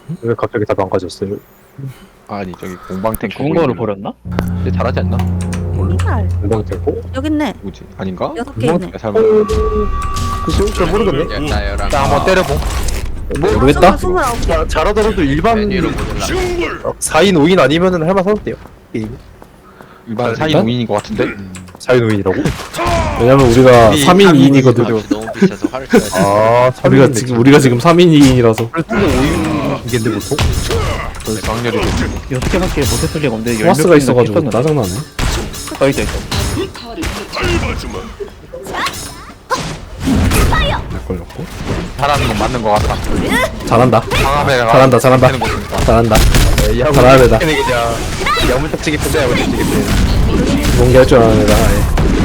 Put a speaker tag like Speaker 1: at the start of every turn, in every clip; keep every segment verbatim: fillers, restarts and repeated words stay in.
Speaker 1: 왜 갑자기 다 망가졌어요?
Speaker 2: 아니 저기 공방 탱크
Speaker 3: 좋은 거를 버렸나?
Speaker 2: 근데 잘하지 않나?
Speaker 4: 이발
Speaker 1: 공방 탱고?
Speaker 4: 여기 있네.
Speaker 2: 누구지? 아닌가?
Speaker 4: 여섯 개 있네.
Speaker 2: 설마
Speaker 1: 글쎄요? 잘 모르겠네.
Speaker 5: 나열한
Speaker 2: 자 한번 때려봄.
Speaker 1: 모르겠다.
Speaker 4: 스물아홉 개.
Speaker 1: 자, 잘하더라도 일반
Speaker 5: 메뉴로 보질라.
Speaker 1: 사 인 오 인 아니면은 할만하대요. 게임.
Speaker 2: 일반 사 인
Speaker 6: 일단?
Speaker 2: 오 인인 것 같은데?
Speaker 1: 사 인 오 인이라고?
Speaker 6: 왜냐면 우리가
Speaker 2: 우리
Speaker 6: 삼 인 이 인이거든.
Speaker 5: 값이 너무 비싸서 화를 써야지.
Speaker 1: 아,
Speaker 6: 우리가 지금 우리가 지금 삼 인 이 인이라서
Speaker 1: 그래도 오 인인데 보통?
Speaker 2: 그래서 확률이 높지.
Speaker 3: 여섯 개밖에 못했을 리가 없는데
Speaker 6: 토마스가 있어가지고 짜증나네.
Speaker 3: 어 있다 있다.
Speaker 6: 잘 걸렸고.
Speaker 2: 잘하는 건 맞는 것 같다.
Speaker 6: 잘한다.
Speaker 2: 방함에
Speaker 6: 잘한다, 잘한다.
Speaker 2: 되는 거니까.
Speaker 6: 잘한다.
Speaker 1: 야구
Speaker 6: 잘하는 애다.
Speaker 1: 그냥 야물딱지기 편데 야물딱지기 편.
Speaker 6: 뭔게 할 줄 아는 애다. 아예.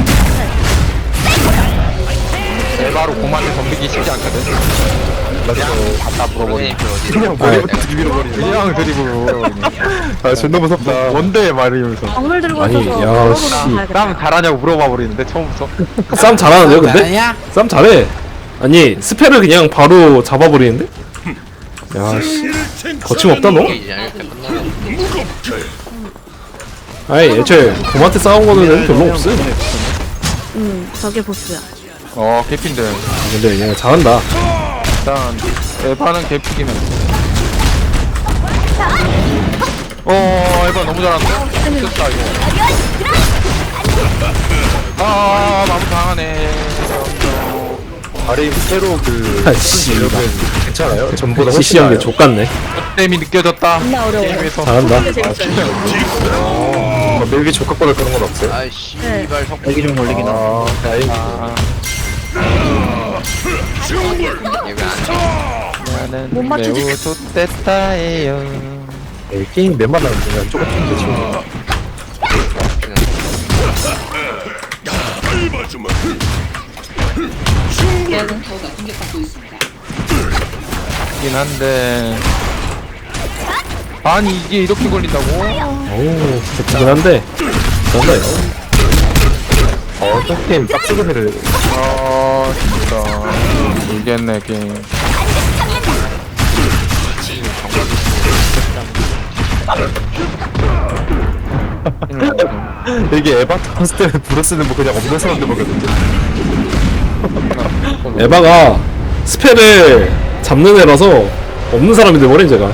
Speaker 2: 에바로 공만을 덤비기 쉽지 않거든. 그냥 갖다 물어버리.
Speaker 5: 선생님들 어디?
Speaker 1: 그냥 머리부터 밀어버리네.
Speaker 2: 그냥 드리블.
Speaker 1: 아, 존나 무섭다.
Speaker 2: 뭔데 말이면서.
Speaker 4: 박물 들고
Speaker 6: 아니,
Speaker 4: 있어서
Speaker 6: 야,
Speaker 4: 걸어보러
Speaker 6: 씨.
Speaker 4: 가야겠다.
Speaker 2: 땀 잘하냐고 물어봐 버리는데 처음부터.
Speaker 6: 싸움 잘하는데요, 근데? 싸움 잘해. 아니 스펠을 그냥 바로 잡아버리는데? 야 씨. 거침없다 너?
Speaker 5: 이제 이렇게 끝나면
Speaker 6: 아니 애초에 곰한테 싸운 거는 별로 없어.
Speaker 4: 응, 저게 보스야.
Speaker 2: 어 개핀데.
Speaker 6: 근데 얘네 잘한다.
Speaker 2: 일단 에바는 개피기면. 어 에바 너무 잘하는데? 됐다 이거. 아 마무 당하네.
Speaker 1: 아래 새로 그.
Speaker 6: 아, 씨.
Speaker 1: 여러분 괜찮아요? 전보다 훨씬
Speaker 6: 시시한 게
Speaker 1: 나아요.
Speaker 6: 족같네.
Speaker 2: 땜이 느껴졌다.
Speaker 4: 존나 어려워.
Speaker 2: 게임에서.
Speaker 6: 잘한다.
Speaker 1: 어, 멜비 조카권을 그런 건 없어요?
Speaker 5: 아이씨
Speaker 4: 네.
Speaker 5: 이발 석
Speaker 3: 여기 좀 걸리긴 하.
Speaker 1: 아, 다행히.
Speaker 2: 아,
Speaker 5: 얘가 안 돼.
Speaker 4: 못
Speaker 2: 나는
Speaker 4: 맞추지.
Speaker 2: 매우 좋댔다예요.
Speaker 1: 에이, 게임 몇 만나는 그냥 똑같은데 지금.
Speaker 2: 긴 한데. 아니 이게 이렇게 걸린다고?
Speaker 6: 어우 좋긴 한데. 잘한다 이거.
Speaker 1: 어, 또 게임 빡세게 해를.
Speaker 2: 아 진짜 모르겠네 게임.
Speaker 1: 이게 에바 타봤을 때는 브로스는 뭐 그냥 없는 사람들 먹였는데.
Speaker 6: 에바가 스펠을 잡는 애라서 없는 사람이 돼버린 제가.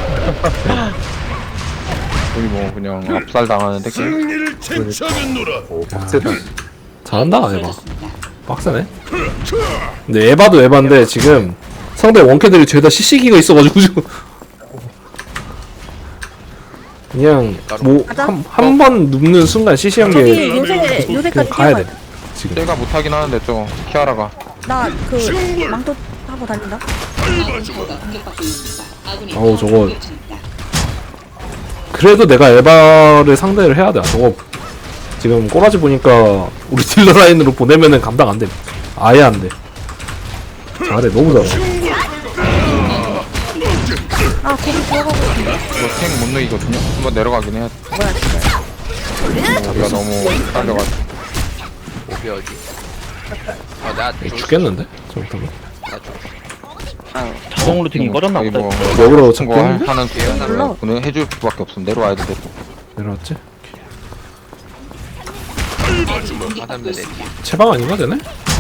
Speaker 2: 거의 뭐 그냥 압살 당하는데 게임.
Speaker 1: 오, 빡세다.
Speaker 6: 잘한다 에바. 빡세네. 근데 에바도 에바인데 지금 상대 원캐들이 죄다 씨씨기가 있어가지고 지금 그냥 뭐 한 번 눕는 순간 씨씨한
Speaker 4: 저기
Speaker 6: 게
Speaker 4: 요새 요새까지
Speaker 6: 그냥 가야 돼.
Speaker 4: 뛰어가야
Speaker 6: 지금.
Speaker 2: 제가 못하긴 하는데 저 키아라가.
Speaker 4: 나그 망토 타고 다닌다.
Speaker 6: 어우 저거 그래도 내가 에바를 상대를 해야 돼. 저거 지금 꼬라지 보니까 우리 딜러 라인으로 보내면은 감당 안 돼. 아예 안 돼. 잘해 너무 잘해.
Speaker 4: 아, 거기 들어가고 싶은데.
Speaker 2: 이거 탱 못 넣이거든요. 한번 내려가긴 해야 돼.
Speaker 4: 뭐야, 진짜.
Speaker 2: 우리가 너무 딸려가지고.
Speaker 5: 오비 어디? 아나
Speaker 6: 죽겠는데? 잘못하면.
Speaker 3: 자동 루팅이 꺼졌나
Speaker 2: 거기
Speaker 3: 보다.
Speaker 2: 뭐
Speaker 6: 역으로
Speaker 2: 같은 거
Speaker 6: 잡겠는데?
Speaker 2: 하는
Speaker 4: 몰라.
Speaker 2: 기회는 보내 해줄 수밖에 없음. 내려와야 돼. 내려.
Speaker 6: 내려왔지?
Speaker 5: 사람들 내
Speaker 6: 체방 아닌가 되네?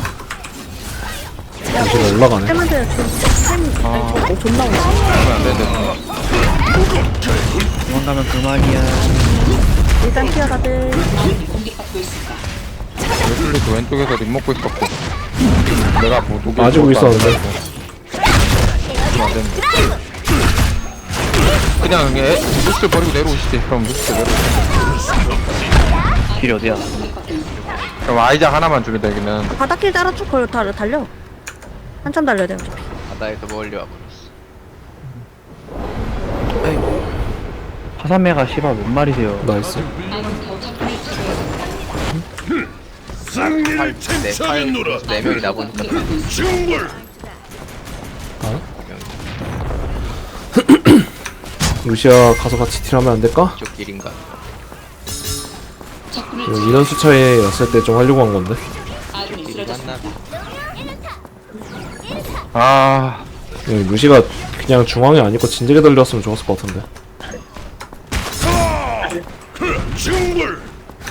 Speaker 6: 잠시만 올라가네.
Speaker 4: 쌤한테 쌤,
Speaker 2: 아.
Speaker 4: 아니, 저, 존나 오네.
Speaker 2: 그러면 안 되는데.
Speaker 3: 도망가면 그만이야.
Speaker 4: 일단 튀어, 다들.
Speaker 2: 웨슬리도 왼쪽에서 립 먹고 있었고. 내가 뭐 녹일
Speaker 6: 맞고
Speaker 2: 것도 안
Speaker 6: 있었는데.
Speaker 2: 되고. 안 되는데. 그냥 애 루스 버리고 내려오시지. 그럼 루스 내려오시지.
Speaker 3: 길이 어디야?
Speaker 2: 그럼 아이작 하나만 주면 되기는.
Speaker 4: 바닥길 따라 쭉 걸, 달, 달려. 한참 달려야 돼, 어차피.
Speaker 5: 바다에서 멀리 와버렸어.
Speaker 3: 화산매가 씨발 뭔 말이세요?
Speaker 6: 나이스.
Speaker 5: 팔네팔네 명이 나 보니까
Speaker 6: 루시아 가서 같이 딜하면 안 될까?
Speaker 5: 이쪽 길인가?
Speaker 6: 이거 인원 수차였을 때 좀 하려고 한 건데.
Speaker 5: 길이 맞나?
Speaker 2: 아
Speaker 6: 이거 루시가 그냥 중앙에 안 있고 진작에 달렸으면 좋았을 것 같은데.
Speaker 7: 중불.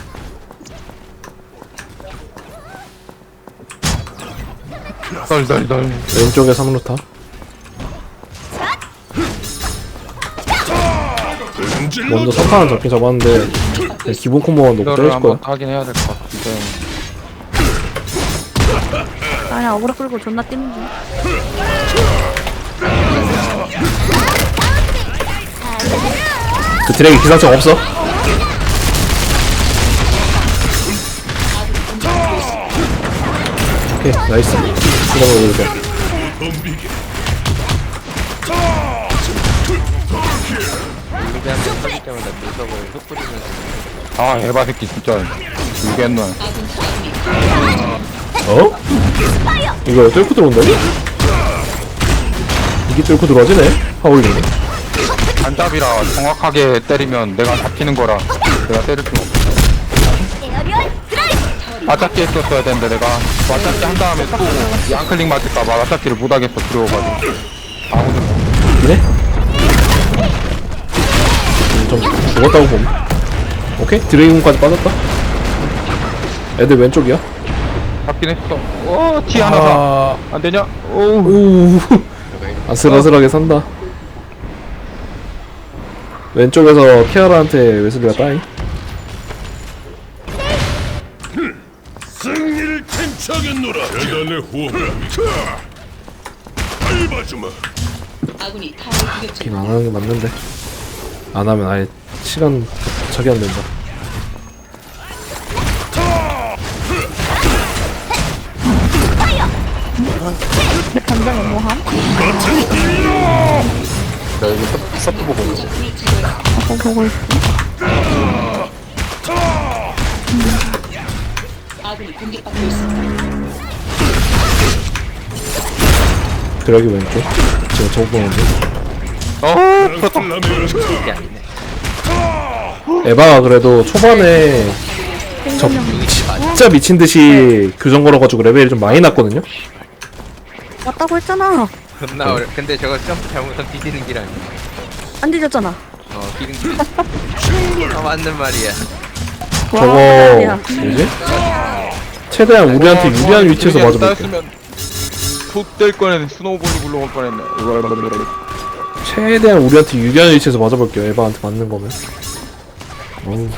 Speaker 2: 덜덜덜.
Speaker 6: 왼쪽에 삼루타. 먼저 석탄은 잡긴 잡았는데 그냥 기본 콤보만 놓고
Speaker 2: 이거를
Speaker 6: 때릴
Speaker 2: 한번
Speaker 6: 거야.
Speaker 2: 하긴 해야 될 것 같은데.
Speaker 4: 아니야 어그로 끌고 존나 뛰는 중.
Speaker 6: 그 드랙이 기상청 없어? 오케이 나이스. 이런 거 이렇게.
Speaker 5: 루비한테 터질 때마다 물석을 흩뿌리면서
Speaker 2: 아 에바 새끼 진짜 죽겠노.
Speaker 6: 어? 이거 뚫고 들어온다니? 이게 뚫고 들어와지네? 하울링이.
Speaker 2: 단잡이라 정확하게 때리면 내가 잡히는 거라 내가 때릴 수는 없어. 맞잡기 했었어야 되는데 내가 맞잡기 한 다음에 또 양클릭 맞을까봐 맞잡기를 못하겠어 두려워가지고. 아무도
Speaker 6: 이네? 좀 죽었다고 봄. 오케이 드래곤까지 빠졌다. 애들 왼쪽이야.
Speaker 2: 잡긴 했어. 어, 티 하나 사.
Speaker 6: 아...
Speaker 2: 안 되냐? 오우.
Speaker 6: 오 아슬아슬하게 산다. 왼쪽에서 키아라한테 웨슬리가 따잉.
Speaker 7: 승리를 캔차겠노라. 대단의 호흡. 밟아주마.
Speaker 6: 긴 안 하는 게 맞는데 안 하면 아예 시간 자기 안 된다.
Speaker 4: 감정이 뭐함?
Speaker 1: 나 여기 서- 서프 보고 있어.
Speaker 4: 어 보고 있어.
Speaker 6: 드래기 왼쪽. 지금 저거 보는데
Speaker 2: 어,
Speaker 5: 이게 아니네.
Speaker 6: 에바가 그래도 초반에 저 진짜 미친듯이 교정 걸어가지고 레벨이 좀 많이 났거든요.
Speaker 4: 왔다고 했잖아.
Speaker 5: 겁나 어려. 근데 저거 점프 잘못하면 뒤지는 길 아니야?
Speaker 4: 안 뒤졌잖아.
Speaker 5: 어, 기는 길. 아, 맞는 말이야.
Speaker 4: 와,
Speaker 6: 저거
Speaker 4: 야.
Speaker 6: 뭐지? 최대한 우리한테 유리한 위치에서 맞아볼게.
Speaker 2: 푹될 뻔했네. 스노우볼이 굴러올 뻔했네.
Speaker 6: 최대한 우리한테 유리한 위치에서 맞아볼게요. 에바한테 맞는 거면. 어우.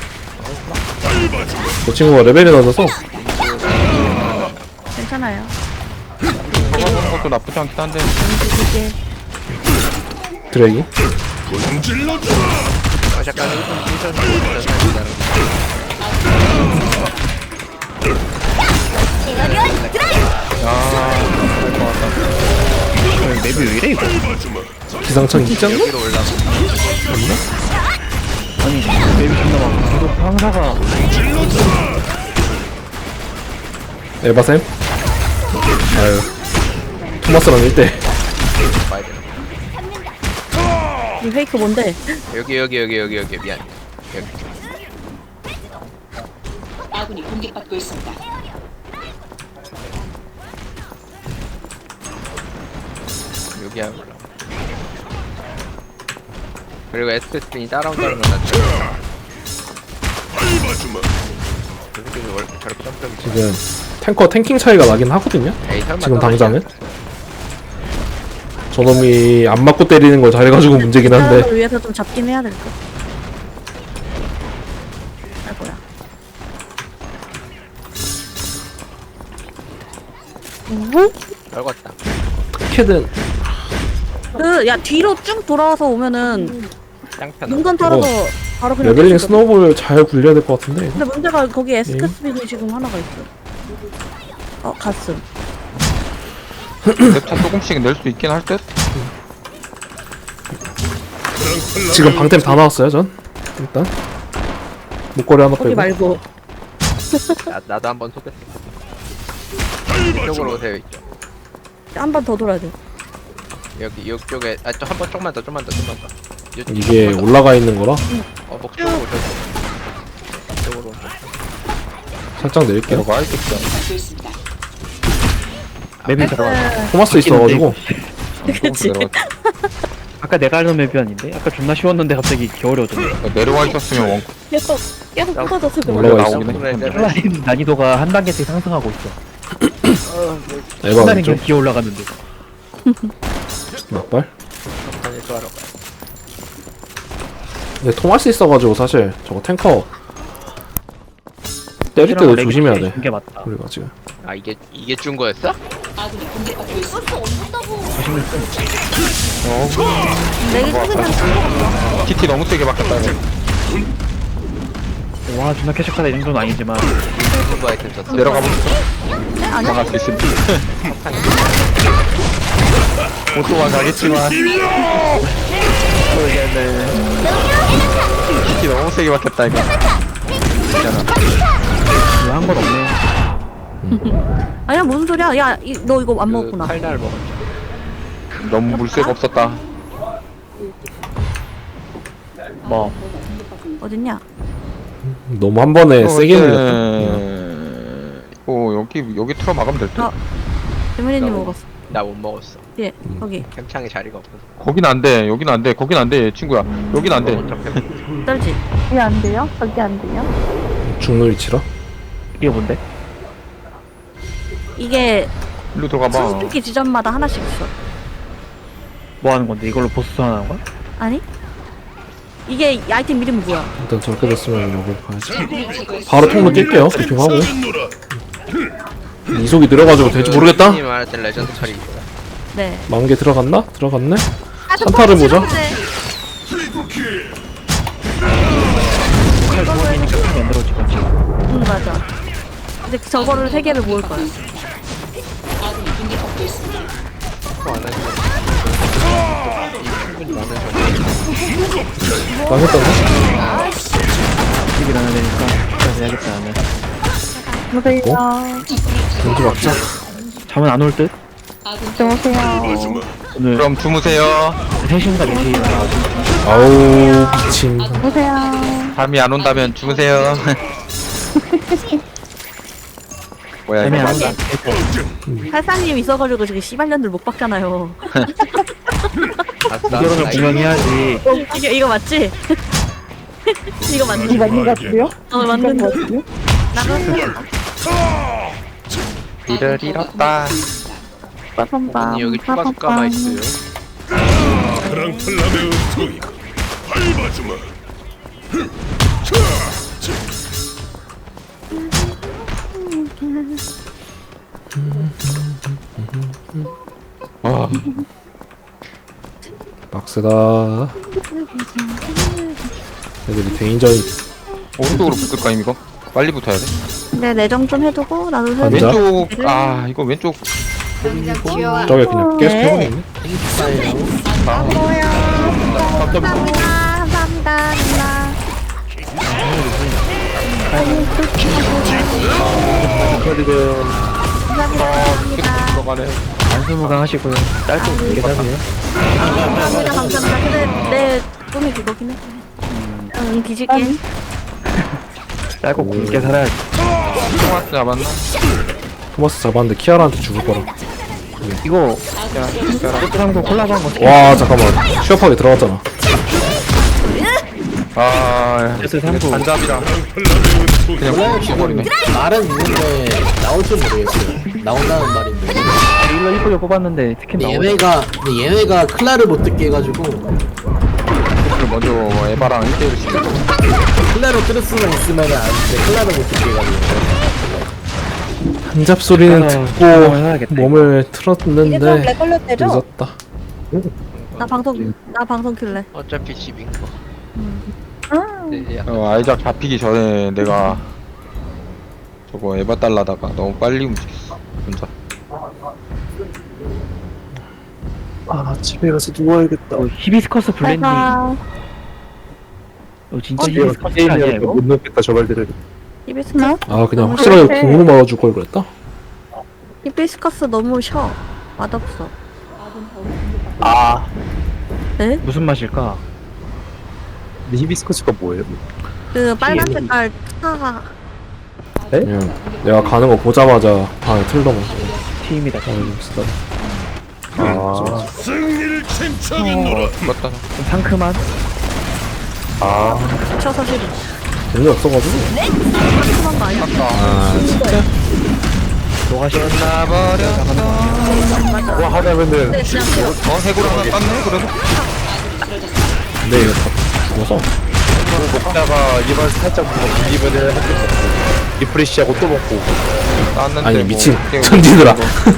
Speaker 6: 저 친구가 레벨이 낮아서
Speaker 4: 괜찮아요.
Speaker 2: 저거 보는 것도 나쁘지 않긴 한데.
Speaker 4: 이게
Speaker 6: 드래기.
Speaker 7: 찔러줘.
Speaker 5: 어, 잠깐 일분 일선 일선
Speaker 3: 맵이 왜 이래 이거?
Speaker 7: 밟아주마.
Speaker 6: 기상청 입장?
Speaker 5: 여기로 올라가.
Speaker 3: 아니 맵이 존나 막 계속 상사가
Speaker 6: 에바쌤? 아유 토마스랑 일 대
Speaker 5: 봐야 되나?
Speaker 4: 이 페이크 뭔데?
Speaker 5: 여기 여기 여기 여기 여기 미안. 여기.
Speaker 8: 아군이 공격받고 있습니다.
Speaker 5: 여기야 올라. 그리고 에스페스핀이 따라온다는 건 낫죠.
Speaker 7: 밟아주마.
Speaker 5: 저렇게 저렇게 점프하기
Speaker 6: 지금 탱커 탱킹 차이가 나긴 하거든요.
Speaker 5: 에이 설마
Speaker 6: 지금
Speaker 5: 떨어지지
Speaker 6: 당장은 저놈이 안 맞고 때리는 걸 잘해가지고 문제긴 한데
Speaker 4: 사람을 위해서 좀 잡긴 해야 될 것. 아이고야. 뭐?
Speaker 5: 떨궜다.
Speaker 6: 캐든
Speaker 4: 그야 뒤로 쭉 돌아와서 오면은
Speaker 5: 짱편.
Speaker 4: 눈건 털어서 바로 그냥.
Speaker 6: 레벨링
Speaker 4: 뛸수 있거든.
Speaker 6: 스노우볼 잘 굴려야 될 것 같은데.
Speaker 4: 근데 문제가 거기 에스크스빈이 지금 하나가 있어. 어 갔음.
Speaker 2: 랩차 조금씩 낼 수 있긴 할 듯?
Speaker 6: 지금 방템 다 나왔어요 전 일단 목걸이 하나
Speaker 4: 거기
Speaker 6: 빼고.
Speaker 4: 말고.
Speaker 5: 나, 나도 한번 속였어. 이쪽으로 오세요 이쪽.
Speaker 4: 한 번 더 돌아야 돼.
Speaker 5: 여기 이쪽에 아또 한 번 조금만 더 좀만 더 좀만 더. 이쪽,
Speaker 6: 이게
Speaker 5: 조금만 더.
Speaker 6: 올라가 있는 거라
Speaker 5: 어 목쪽으로 오셔서. 이쪽으로.
Speaker 6: 살짝 내릴게요.
Speaker 2: 내가 알겠어.
Speaker 8: 받고 있습니다.
Speaker 3: 맵이 들어가.
Speaker 6: 토마스 있어가지고
Speaker 4: 그치.
Speaker 2: 내려갔다.
Speaker 3: 아까 내가 알던 맵이 아닌데? 아까 존나 쉬웠는데 갑자기 겨울어졌네.
Speaker 2: 내려와 있었으면 원
Speaker 4: 계속 계속 끊어져서 그래.
Speaker 6: 올라가 있어.
Speaker 2: 나오긴 해.
Speaker 3: 플라인 난이도가 한 단계씩 상승하고 있어.
Speaker 6: 에바
Speaker 3: 플라인
Speaker 6: 왼쪽
Speaker 3: 계속 기어 올라가는데.
Speaker 6: 막발.
Speaker 5: 아니 또 하러 가.
Speaker 6: 근데 토마스 있어가지고 사실 저거 탱커 때릴 때도 조심해야 돼.
Speaker 3: 게 맞다.
Speaker 6: 우리가 지금
Speaker 5: 아 이게 이게 준 거였어?
Speaker 8: 아군이 공격받고 있습니다.
Speaker 4: 내기 끊으면
Speaker 2: 티티 너무 세게 바뀌었다 이거.
Speaker 3: 와 존나 캐셔카다 이 정도는 아니지만
Speaker 5: 누구 아이템 줬어?
Speaker 2: 내려가 보자. 나갈 수 있습니다. 못 도망가겠지만. 모르겠네. 티티 너무 세게 바뀌었다 이거.
Speaker 3: 한 건 없네.
Speaker 4: 아니야 무슨 소리야? 야 너 이거 안 먹었구나.
Speaker 5: 칼날 먹었.
Speaker 2: 너무 물새가 없었다.
Speaker 3: 뭐
Speaker 4: 어딨냐?
Speaker 6: 너무 한 번에 세게 눌렸다.
Speaker 2: 어 여기 여기 틀어 막으면 될 듯.
Speaker 4: 어. 재민이님 먹었어.
Speaker 5: 나 못 먹었어.
Speaker 4: 예 거기
Speaker 5: 캠창에 자리가 없어서.
Speaker 2: 거긴 안 돼. 여긴 안 돼. 거긴 안 돼. 친구야. 여긴 안 돼.
Speaker 4: 떨지. 이게 안 돼요? 거기 안 돼요?
Speaker 6: 죽는 위치라.
Speaker 3: 이게 뭔데?
Speaker 4: 이게
Speaker 2: 일로 들어가 봐.
Speaker 4: 수수기 지점마다 하나씩 있어.
Speaker 3: 뭐 하는 건데? 이걸로 보스 소환하는 거야?
Speaker 4: 아니? 이게 이 아이템 이름이 뭐야?
Speaker 6: 일단 저렇게 됐으면 여기 가야지.
Speaker 8: 아군을 제거했습니다.
Speaker 6: 바로 통로 뛸게요. 브리핑하고.
Speaker 7: 힘차겠노라.
Speaker 6: 이속이 느려가지고 될지 모르겠다.
Speaker 5: 님 말했던 레전드 칼이 있구나.
Speaker 4: 네.
Speaker 6: 만개 들어갔나? 들어갔네.
Speaker 4: 아,
Speaker 6: 산타를 보자.
Speaker 3: 칼 구원이니까 칼이 안 들어오지 않지.
Speaker 4: 응 맞아. 이제 저거를 세 개를 모을 거야.
Speaker 8: 아군이 공격받고 있습니다.
Speaker 6: 망했다고?
Speaker 3: 집이 나야 되니까 그래서 해야겠다 나는.
Speaker 4: 여보세요.
Speaker 6: 왠지 막자.
Speaker 3: 잠은 안 올 듯?
Speaker 8: 아군
Speaker 4: 여보세요.
Speaker 3: 오늘
Speaker 2: 그럼 주무세요.
Speaker 3: 세 시인가 네 시에 일어나가지고
Speaker 6: 아우 미친.
Speaker 4: 여보세요.
Speaker 2: 잠이 안 온다면 주무세요. 뭐야
Speaker 3: 잠이
Speaker 2: 이거.
Speaker 3: 안 온다.
Speaker 4: 팔사님 있어가지고 지금 씨발년들 못 박잖아요.
Speaker 5: 아싸.
Speaker 3: 이거를 분명해야지.
Speaker 4: 어, 이거 이거 맞지? 이거 맞는 거 맞는 거 같아요? 어 맞는 거 같아요? 나가세요.
Speaker 2: 이를 잃었다.
Speaker 4: 빠밤밤.
Speaker 5: 언니 여기 추가수가마 있어요.
Speaker 7: 크랑플람의 은총이 밟아주마.
Speaker 2: 아,
Speaker 6: 빡세다. 애들이 대인전이
Speaker 2: 오른쪽으로 붙을까 이거? 빨리 붙어야 돼.
Speaker 4: 네 내정 좀 해두고 나도 해.
Speaker 6: 앉아.
Speaker 2: 왼쪽 아 이거 왼쪽
Speaker 6: 저게 그냥 계속
Speaker 4: 네.
Speaker 6: 해버리네.
Speaker 4: 감사합니다. 감사합니다. 감사합니다. 감사합니다.
Speaker 2: 들어가네.
Speaker 3: 안수무강 하시고요. 짧고 길게 사세요.
Speaker 4: 감사합니다. 감사합니다. 근데 내 꿈이 그거긴 해. 응 뒤질게.
Speaker 3: 짧고 굵게 살아야지.
Speaker 2: 토마스 잡았나?
Speaker 6: 토마스 잡았는데 키아라한테 죽을 거라.
Speaker 3: 이거 포트랑도 콜라보한 거
Speaker 6: 와 잠깐만. 취업하게 들어갔잖아.
Speaker 2: 아
Speaker 3: 스트레스 삼구
Speaker 2: 반잡이라 그냥 푹 죽어버리네.
Speaker 9: 말은 있는데 나올 줄 모르겠어요. 나온다는 말인데.
Speaker 3: 일로 이쁘게 뽑았는데 스킨
Speaker 9: 근데
Speaker 3: 나오네.
Speaker 9: 얘네가 근데 얘네가 클라를 못 듣게 해가지고
Speaker 2: 그걸 먼저 에바랑 일 대일 시켜.
Speaker 9: 클라로 들을 수만 있으면 안 돼. 클라를 못 듣게 해가지고.
Speaker 6: 한잡 소리는
Speaker 3: 아,
Speaker 6: 듣고
Speaker 3: 해야겠다,
Speaker 6: 몸을
Speaker 4: 이제 좀
Speaker 6: 틀었는데
Speaker 4: 렉 걸렸대죠?
Speaker 6: 늦었다.
Speaker 4: 나 방송 나 방송 킬래.
Speaker 5: 어차피 집인 거. 네, 야.
Speaker 2: 어, 아이작 잡히기 전에 내가 저거 에바 달라다가 너무 빨리 움직였어. 혼자.
Speaker 3: 아 집에 가서 누워야겠다. 어, 히비스커스 블렌딩.
Speaker 4: 내가
Speaker 3: 어, 진짜 히비스커스 아니야 이거?
Speaker 1: 못 넣겠다 저 말들을.
Speaker 4: 히비스커스
Speaker 6: 아 그냥
Speaker 4: 너무
Speaker 6: 확실하게
Speaker 4: 그래.
Speaker 6: 궁으로 막아줄 걸 그랬다.
Speaker 4: 히비스커스 너무 셔. 맛없어.
Speaker 3: 아
Speaker 4: 네?
Speaker 3: 무슨 맛일까?
Speaker 1: 근데 히비스커스가 뭐예요?
Speaker 4: 그 빨간 색깔 차가
Speaker 6: 그냥 내가 가는 거 보자마자 방에 틀더만.
Speaker 3: 팀이다.
Speaker 6: 아, 쓰다.
Speaker 1: 아
Speaker 7: 승리를 침착인노라.
Speaker 5: 맞다.
Speaker 3: 상큼한.
Speaker 4: 저 사실
Speaker 6: 재미없어가지고.
Speaker 4: 상큼한 거 아니야?
Speaker 6: 아, 진짜?
Speaker 5: 끝나버렸어.
Speaker 1: 뭐 하자면은
Speaker 4: 근데 그냥
Speaker 5: 어, 해골 하나 땄네? 그래서?
Speaker 6: 근데 이거 다 죽어서.
Speaker 1: 먹다가 입안 살짝 뭔가 물리면은 한개 먹고 리프레시하고 또 먹고.
Speaker 5: 땄는데.
Speaker 6: 아니,
Speaker 5: 뭐
Speaker 6: 미친.
Speaker 5: 깨고
Speaker 6: 전지들아.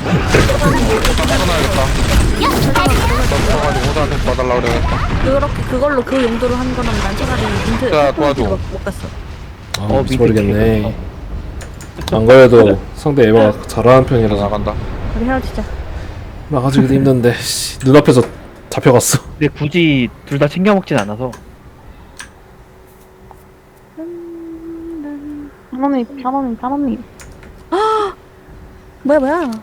Speaker 5: 떠나야겠다. 떠나가지고 호사한테 봐달라고 그래야겠다.
Speaker 4: 그렇게 그걸로 그 용도로 한 거면 난 차라리 인트
Speaker 5: 야, 도와줘.
Speaker 4: 못, 못 갔어.
Speaker 6: 아, 미쳐버리겠네. 안 그래도 상대 에바가 잘하는 편이라서.
Speaker 5: 나간다.
Speaker 4: 우리 헤어지자.
Speaker 6: 나가지기도 힘든데, 씨, 눈앞에서 잡혀갔어.
Speaker 3: 근데 굳이 둘 다 챙겨 먹진 않아서.
Speaker 4: 단원님, 단원님, 단원님. 아, 뭐야 뭐야?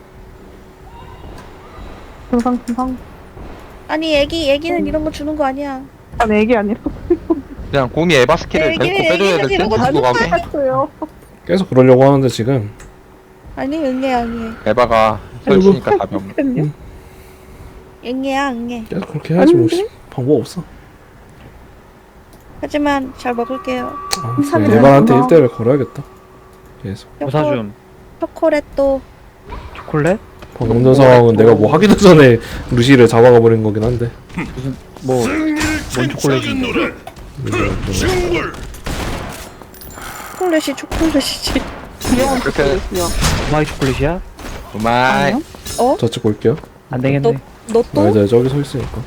Speaker 4: 금방 금방. 아니 애기 애기는 이런 거 주는 거 아니야.
Speaker 10: 아니 애기 아니라
Speaker 5: 그냥 곰이 에바 스킬을
Speaker 4: 애기,
Speaker 5: 밟고 빼줘야 될 듯?
Speaker 4: 애기는
Speaker 5: 두고 가고.
Speaker 10: 했어요.
Speaker 6: 계속 그러려고 하는데 지금.
Speaker 4: 아니 응애 응애
Speaker 5: 에바가 설치니까 답이 없네.
Speaker 4: 응애야 응애.
Speaker 6: 계속 그렇게 해야지 뭐. 씨. 방법 없어.
Speaker 4: 하지만 잘 먹을게요.
Speaker 6: 아,
Speaker 4: 사면
Speaker 6: 에바한테
Speaker 4: 되나?
Speaker 6: 일 대를 걸어야겠다. 계속.
Speaker 3: 보사 좀.
Speaker 4: 초콜릿도
Speaker 3: 초콜릿?
Speaker 6: 방금 전 상황은 내가 뭐 하기도 전에 루시를 잡아가 버린 거긴 한데.
Speaker 3: 뭐,
Speaker 7: 승리를 침착인노라. 승불.
Speaker 4: 초콜릿이 초콜릿이지.
Speaker 5: 이렇게
Speaker 3: 마이 초콜릿이야?
Speaker 5: 우마이.
Speaker 6: 저 찍고 올게요.
Speaker 3: 안 되겠네.
Speaker 4: 너 또?
Speaker 6: 아, 이제 저기 서 있으니까.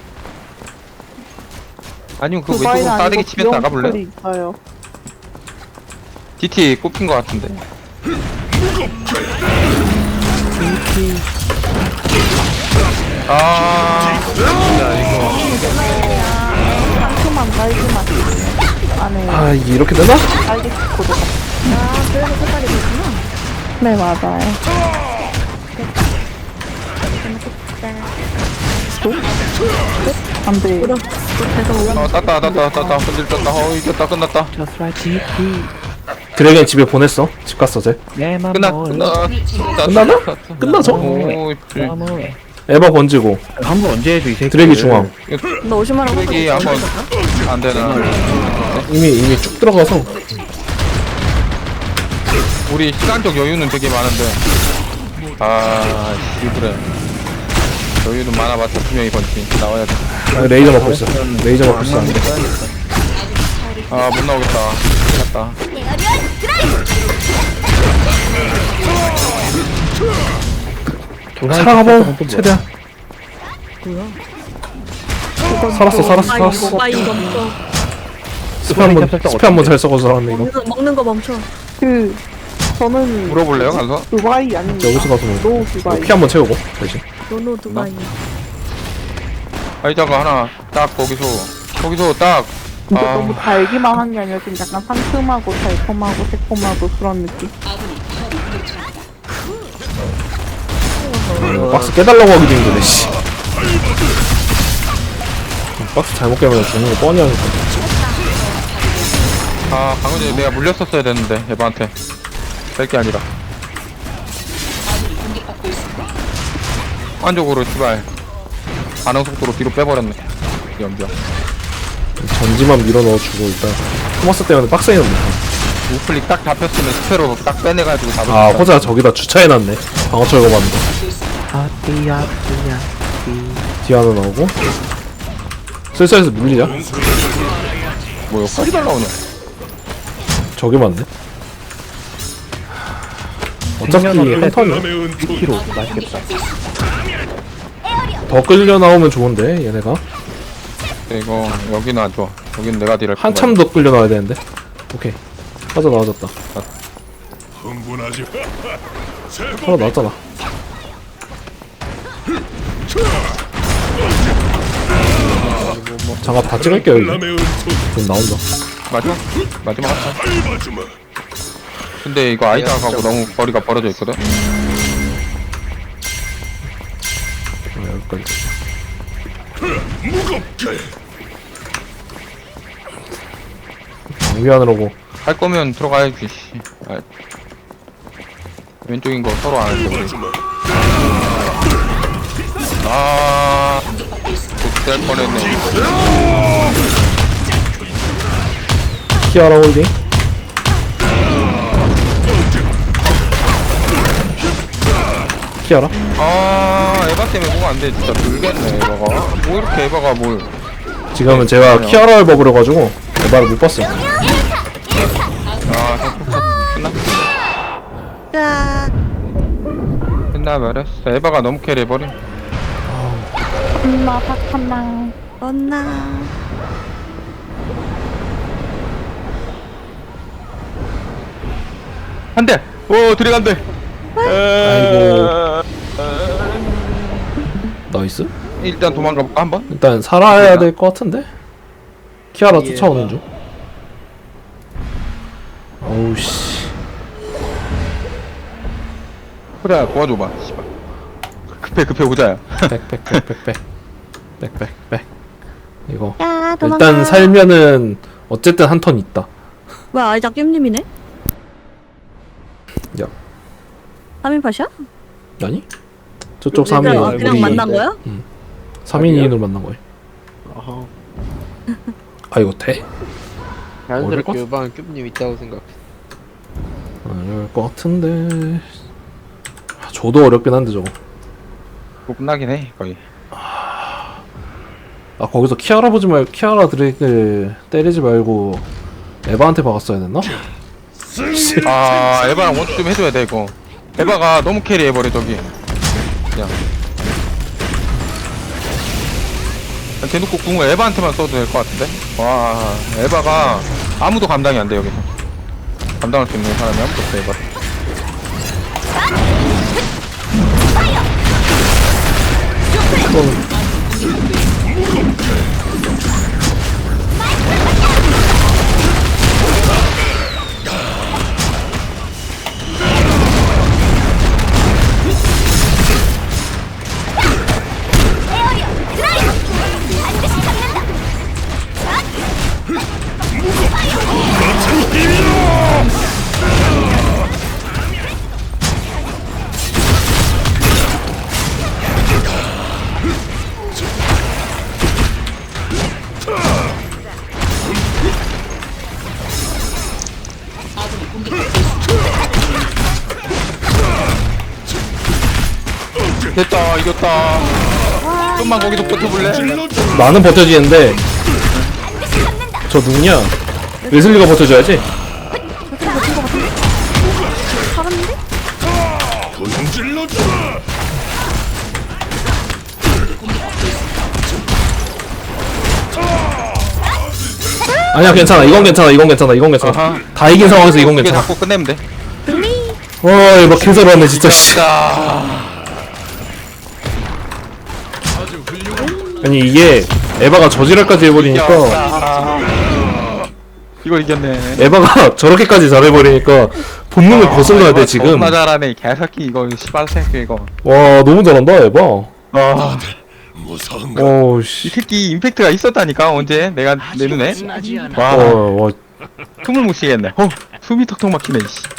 Speaker 5: 아니면 그
Speaker 10: 두바이는
Speaker 5: 왼쪽으로 싸대기
Speaker 10: 아니고
Speaker 5: 치면서
Speaker 10: 귀여운
Speaker 5: 나가볼래?
Speaker 10: 초콜릿 있어요.
Speaker 5: 디티 꼽힌 거 같은데. 아, 진짜 이거.
Speaker 10: 상큼한 딸기맛 안에
Speaker 6: 아, 이게 이렇게 되나?
Speaker 10: 딸기 초코도 같이.
Speaker 4: 아 그래서 색깔이 그렇구나.
Speaker 10: 네 맞아요. 안돼.
Speaker 4: 그럼 계속
Speaker 5: 어, 땄다, 땄다, 땄다. 흔들 땄다. 어, 이겼다, 끝났다.
Speaker 3: Just like G
Speaker 6: 드래곤 집에 보냈어. 집 갔어, 쟤.
Speaker 3: 내맘
Speaker 5: 끝나,
Speaker 3: 뭐
Speaker 5: 끝나.
Speaker 6: 끝나나? 끝나죠?
Speaker 5: 오,
Speaker 6: 에바 번지고.
Speaker 3: 한번 언제 해줘 이 새끼.
Speaker 6: 드래기 중앙.
Speaker 4: 너 오십만 원
Speaker 5: 쓰레기 한번 안 되나?
Speaker 6: 이미, 이미 쭉 들어가서.
Speaker 5: 우리 시간적 여유는 되게 많은데. 아, 씨, 그래. 여유는 많아봤자 두 명이 번지. 나와야 돼.
Speaker 6: 아, 레이저 맞고 있어. 레이저 맞고 있어. 안 돼.
Speaker 5: 아, 못 나오겠다. 끝났다.
Speaker 6: 살아가봐, 최대한. 살았어, 살았어, 살았어.
Speaker 4: 아 이거 멈춰.
Speaker 6: 스페 한 번, 스페 한 번 잘 썩어서 살았네, 이거.
Speaker 4: 먹는, 먹는 거 멈춰.
Speaker 10: 그 저는
Speaker 5: 물어볼래요, 가서?
Speaker 10: 두바이 아닙니다.
Speaker 6: 여기서 가서 뭐.
Speaker 10: 노 두바이.
Speaker 6: 피 한 번 채우고, 대신.
Speaker 4: 노노 두바이.
Speaker 5: 아이자가 하나 딱 거기서 거기서 딱
Speaker 10: 근데
Speaker 5: 아.
Speaker 10: 너무 달기만 한 게 아니라 좀 약간 상큼하고 달콤하고 새콤하고 그런 느낌.
Speaker 6: 박스 깨달라고 하기도 힘드네, 씨. 박스 잘못 깨면 죽는 거 뻔히 하니까.
Speaker 5: 아, 방금 전에 내가 물렸었어야 되는데 에바한테 뺄 게 아니라 안쪽으로 씨발 반응 속도로 뒤로 빼버렸네 연병.
Speaker 6: 전지만 밀어 넣어주고, 일단. 토마스 때문에 박스에 넣네.
Speaker 5: 우클릭 딱 잡혔으면 스페로 딱 빼내가지고 잡을
Speaker 6: 아,
Speaker 5: 수
Speaker 6: 호자 저기다 주차해놨네. 방어 철거받는 거.
Speaker 3: 아띠야 띠야
Speaker 6: 디아나 나오고. 슬슬해서 밀리자.
Speaker 5: 뭐야 펄이 날라오냐.
Speaker 6: 저게 맞네. 어차피 한 턴이야.
Speaker 7: 남의 은총.
Speaker 3: 키로 맛있겠다.
Speaker 6: 더 끌려 나오면 좋은데, 얘네가.
Speaker 5: 이거 여기는 안 좋아. 여기는 내가 딜할
Speaker 6: 한참 더 끌려 나와야 되는데. 오케이. 하자 나와졌다.
Speaker 7: 흥분하지.
Speaker 6: 하나 나왔잖아. 장갑 다 찍을게요, 이제.
Speaker 7: 남의 은총.
Speaker 6: 지금 나온다.
Speaker 5: 마지막 마지막 한타.
Speaker 7: 밟아주마.
Speaker 5: 근데 이거 아이작하고 너무 거리가 벌어져 있거든.
Speaker 6: 아, 여기까지.
Speaker 7: 무겁게.
Speaker 6: 장비하느라고.
Speaker 5: 할 거면 들어가야지. 씨. 아, 왼쪽인 거 서로 안 할거 우리.
Speaker 7: 밟아주마.
Speaker 5: 아, 될 뻔했네.
Speaker 6: 키아라 홀딩. 키아라.
Speaker 5: 아 에바 때문에 뭐가 안돼. 진짜 돌겠네 에바가. 뭐 이렇게 에바가 뭘.
Speaker 6: 지금은 제가 키아라를 먹으려가지고 에바를 못 봤어.
Speaker 5: 아 끝났어.
Speaker 4: 자,
Speaker 5: 끝나버렸어. 에바가 너무 캐리해버림.
Speaker 10: 엄마 박한나.
Speaker 4: 언나.
Speaker 5: 한대. 오 들어간대.
Speaker 6: 아이고. 나이스.
Speaker 5: 일단 도망가 볼까 한번?
Speaker 6: 일단 살아야 될 것 같은데? 키아라 쫓아오는 중. 어우 씨.
Speaker 5: 그래 도와줘봐. 씨발. 급해 급해 오자야.
Speaker 6: 백백백백백. 백백백. 이거
Speaker 4: 야, 도망가.
Speaker 6: 일단 살면은 어쨌든 한 턴 있다.
Speaker 4: 뭐야, 아이작 찜님이네?
Speaker 6: 야.
Speaker 4: 삼 인 팟이야?
Speaker 6: 아니? 저쪽 삼 인
Speaker 4: 그냥, 그냥 만난 거야?
Speaker 6: 삼 인으로 만난 거야. 아 이거 돼?
Speaker 1: 자연스럽게 요방 큐브님 있다고 생각해.
Speaker 6: 어려울 것 같은데. 아, 저도 어렵긴 한데 저거.
Speaker 5: 뭐 끝나긴 해 거의.
Speaker 6: 아 거기서 키아라 보지 말고 키아라 드래그 때리지 말고 에바한테 박았어야 됐나?
Speaker 5: 아 에바랑 원투 좀 해줘야 돼 이거. 에바가 너무 캐리해버려 저기. 그냥 대놓고 궁을 에바한테만 써도 될 것 같은데? 와 에바가 아무도 감당이 안 돼 여기서. 감당할 수 있는 사람이 아무도 없어 에바. 됐다 이겼다. 좀만 거기서 버텨볼래?
Speaker 6: 나는 버텨지는데 저 누구냐? 웨슬리가 버텨줘야지.
Speaker 4: 살았는데?
Speaker 7: 찔러주라.
Speaker 6: 아니야 괜찮아 이건 괜찮아 이건 괜찮아 이건 괜찮아.
Speaker 5: 아하.
Speaker 6: 다 이긴 상황에서 이건
Speaker 5: 이게
Speaker 6: 괜찮아.
Speaker 5: 잡고 끝내면 돼.
Speaker 6: 와 막 개설하네 진짜 씨. 아니 이게 에바가 저지랄까지 해버리니까
Speaker 5: 이거 이겼네.
Speaker 6: 에바가 저렇게까지 잘해버리니까 본능을 거슬러야 돼 지금.
Speaker 5: 겁나 잘하네 이 개새끼 이거 씨발 새끼 이거.
Speaker 6: 와 너무 잘한다 에바.
Speaker 5: 아,
Speaker 7: 무서운가?
Speaker 6: 어우
Speaker 5: 이
Speaker 6: 씨.
Speaker 5: 새끼 임팩트가 있었다니까 언제 내가 내 눈에. 와
Speaker 6: 와, 와
Speaker 5: 숨을 못 쉬겠네. 어 숨이 턱턱 막히네. 씨.